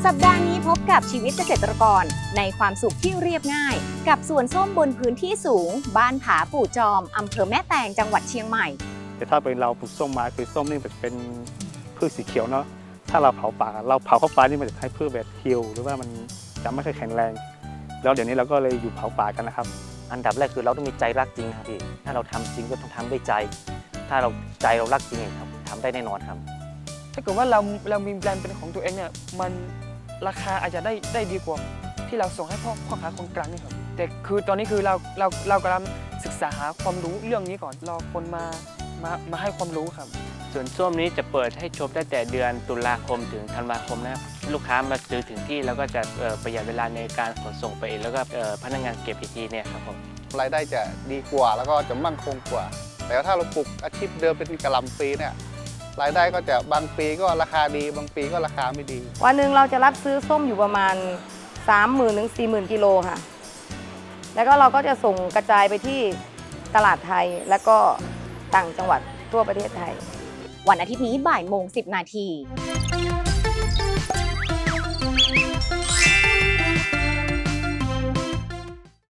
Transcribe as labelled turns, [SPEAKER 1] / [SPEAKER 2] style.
[SPEAKER 1] สัปดาห์นี้พบกับชีวิตเกษตรกรในความสุขที่เรียบง่ายกับสวนส้มบนพื้นที่สูงบ้านผาปู่จอมอำเภอแม่แตงจังหวัดเชียงใหม่
[SPEAKER 2] แต่ถ้าเป็นเราปลูกส้มมาคือส้มนี่มันจะเป็นพืชสีเขียวเนาะถ้าเราเผาป่าเราเผาเข้าไปนี่มันจะให้พืชแบบเหี่ยวหรือว่ามันจะไม่ค่อยแข็งแรงแล้วเดี๋ยวนี้เราก็เลยอยู่เผาป่ากันนะครับ
[SPEAKER 3] อันดับแรกคือเราต้องมีใจรักจริงนะครับพี่ถ้าเราทำจริงก็ต้องทำด้วยใจถ้าเราใจเรารักจริงครับทำได้แน่นอนครับ
[SPEAKER 4] ถ้าเกิดว่าเรามีแบรนด์เป็นของตัวเองเนี่ยมันราคาอาจจะได้ดีกว่าที่เราส่งให้พ่อค้าคนกลางนี่ครับแต่คือตอนนี้คือเรากำลังศึกษาหาความรู้เรื่องนี้ก่อนรอคนมาให้ความรู้ครับ
[SPEAKER 5] ส่วนส้มนี้จะเปิดให้ชมตั้งแต่เดือนตุลาคมถึงธันวาคมนะครับลูกค้ามาซื้อถึงที่แล้วก็จะประหยัดเวลาในการขนส่งไปเองแล้วก็พนักงานเก็บอีกทีเนี่ยครับผม
[SPEAKER 6] รายได้จะดีกว่าแล้วก็จะมั่นคงกว่าแต่ถ้าเราปลูกอาชีพเดิมเป็นกะหล่ำปลีเนี่ยรายได้ก็จะบางปีก็ราคาดีบางปีก็ราคาไม่ดี
[SPEAKER 7] วันหนึ่งเราจะรับซื้อส้มอยู่ประมาณ 30,000 ถึง 40,000 กิโลค่ะแล้วก็เราก็จะส่งกระจายไปที่ตลาดไทยและก็ต่างจังหวัดทั่วประเทศไทย
[SPEAKER 1] วันอาทิตย์นี้บ่ายโมง 10 นาที